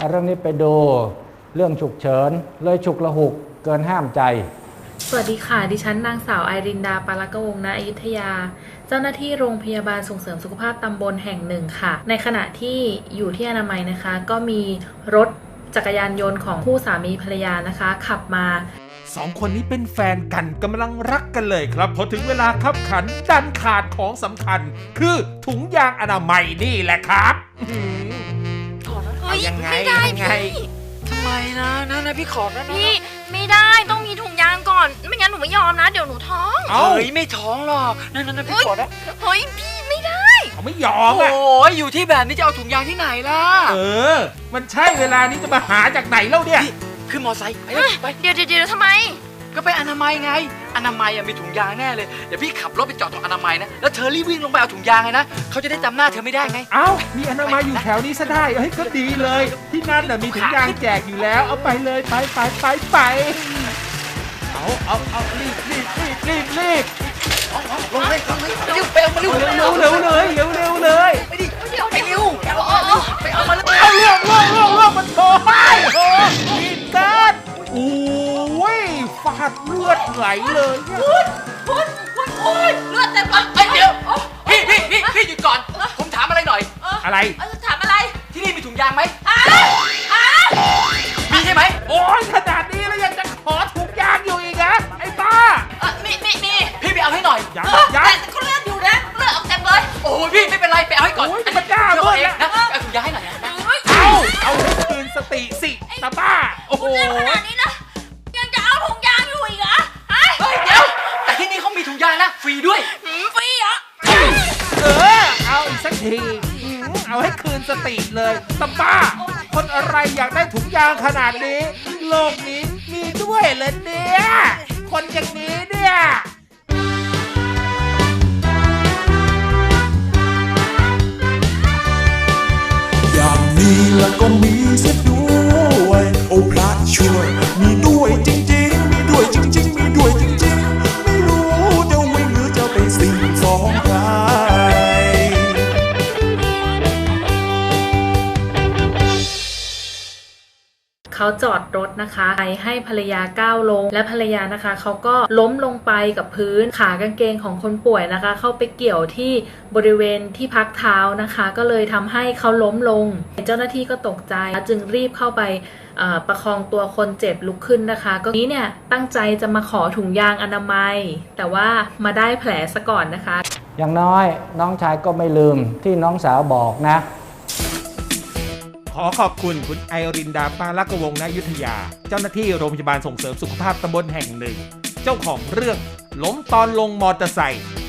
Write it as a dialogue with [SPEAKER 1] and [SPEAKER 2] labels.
[SPEAKER 1] เรื่องนี้ไปดูเรื่องฉุกเฉินเลยฉุกละหุกเกินห้ามใจ
[SPEAKER 2] สวัสดีค่ะดิฉันนางสาวไอรินดาปาลกวงศ์ณอยุธยาเจ้าหน้าที่โรงพยาบาลส่งเสริมสุขภาพตำบลแห่งหนึ่งค่ะในขณะที่อยู่ที่อนามัยนะคะก็มีรถจักรยานยนต์ของคู่สามีภรรยานะคะขับมา
[SPEAKER 3] สองคนนี้เป็นแฟนกันกำลังรักกันเลยครับพอถึงเวลาขับขันดันขาดของสำคัญคือถุงยางอนามัยนี่แหละครับ
[SPEAKER 4] ยังไงทำไมนะพี่ขอนะ
[SPEAKER 5] พี่ไม่ได้ต้องมีถุงยางก่อนไม่งั้นหนูไม่ยอมนะเดี๋ยวหนูท้อง
[SPEAKER 4] เฮ้ยไม่ท้องหรอกนั่นพี่ขอนะ
[SPEAKER 5] เฮ้ยพี่ไม่ได้
[SPEAKER 3] เขาไม่ยอมอ่ะ
[SPEAKER 4] โอ้ยอยู่ที่แบบนี้จะเอาถุงยางที่ไหนล่ะ
[SPEAKER 3] มันใช่เวลานี้จะมาหาจากไหนแล้วเนี่ย
[SPEAKER 4] ขึ้นมอไซค์ไป
[SPEAKER 5] เดี๋ยวทำไม
[SPEAKER 4] ก็ไปอนามัยไงอนามัยมีถุงยางแน่เลยเดี๋ยวพี่ขับรถไปจอดตรงอนามัยนะแล้วเธอรีบวิ่งลงไปเอาถุงยางเลยนะเขาจะได้จำหน้าเธอไม่ได้ไง
[SPEAKER 3] เอ้ามีอนามัยอยู่แถวนี้ซะได้เฮ้ยก็ดีเลยที่นั่นน่ะมีถุงยางแจกอยู่แล้วเอาไปเลยไปเอารีบ
[SPEAKER 4] ลงเลยเร็วไปเอามาเร็ว
[SPEAKER 3] เลย
[SPEAKER 4] ไปดิไปเร็วไปเอามาเลย
[SPEAKER 3] เอาเรื่องมันโผล่มีการโอ้ยฟาดเลือดไหลเลย
[SPEAKER 5] คุณเลือดเต็มเลย
[SPEAKER 4] เดี๋ยวพี่หยุดก่อนผมถามอะไรหน่อย
[SPEAKER 3] อะไร
[SPEAKER 5] ถามอะไร
[SPEAKER 4] ที่นี่มีถุงยางไหมมีใช่ไหม
[SPEAKER 3] โอ้ยขนาดนี้แล้วยังจะขอถุงยางอยู่อีกนะไอ้บ้า
[SPEAKER 5] มี
[SPEAKER 4] พี่ไปเอาให้หน่อย
[SPEAKER 3] ยัง
[SPEAKER 5] แต่เขาเลือดอยู่นะเลือดออกเต็มเลย
[SPEAKER 4] โอ้ยพี่ไม่เป็นไรไปเอาให้ก่อน
[SPEAKER 3] โอ้ยมันกล้าเ
[SPEAKER 4] องนะเอาถุงยางให้หน่อยนะ
[SPEAKER 3] เอาให้คืนสติสิตาบ้า
[SPEAKER 5] โอ้โหขนาดนี้นะยังจะเอาถุงยางอยู่อีกเหรอ
[SPEAKER 4] เฮ้ยเดี๋ยวแต่ที่นี่เขามีถุงยางนะฟรีด้วย
[SPEAKER 5] ฟรีเหรอ
[SPEAKER 3] เอาอีกสักทีเอาให้คืนสติเลยตาบ้าคนอะไรอยากได้ถุงยางขนาดนี้โลกนี้มีด้วยเหรอเนี่ยคนอย่างนี้เนี่ย
[SPEAKER 6] อย่างนี้แล้วก็มีเสียด้วยโอ้พระช่วยมีด้วยจริงๆมีด้วยจริงๆมีด้วยจริงๆไม่รู้จะวิ่งหรือจะไปสิ่งสองใคร
[SPEAKER 2] เขาจอดรถนะคะให้ภรรยาก้าวลงและภรรยานะคะเขาก็ล้มลงไปกับพื้นขากางเกงของคนป่วยนะคะเข้าไปเกี่ยวที่บริเวณที่พักเท้านะคะก็เลยทำให้เขาล้มลงเจ้าหน้าที่ก็ตกใจจึงรีบเข้าไปประคองตัวคนเจ็บลุกขึ้นนะคะก็นี้เนี่ยตั้งใจจะมาขอถุงยางอนามัยแต่ว่ามาได้แผลซะก่อนนะคะ
[SPEAKER 1] อย่างน้อยน้องชายก็ไม่ลืมที่น้องสาวบอกนะ
[SPEAKER 3] ขอขอบคุณคุณไอรินดาปาลกวงศ์ณอยุธยาเจ้าหน้าที่โรงพยาบาลส่งเสริมสุขภาพตำบลแห่งหนึ่งเจ้าของเรื่องล้มตอนลงมอเตอร์ไซค์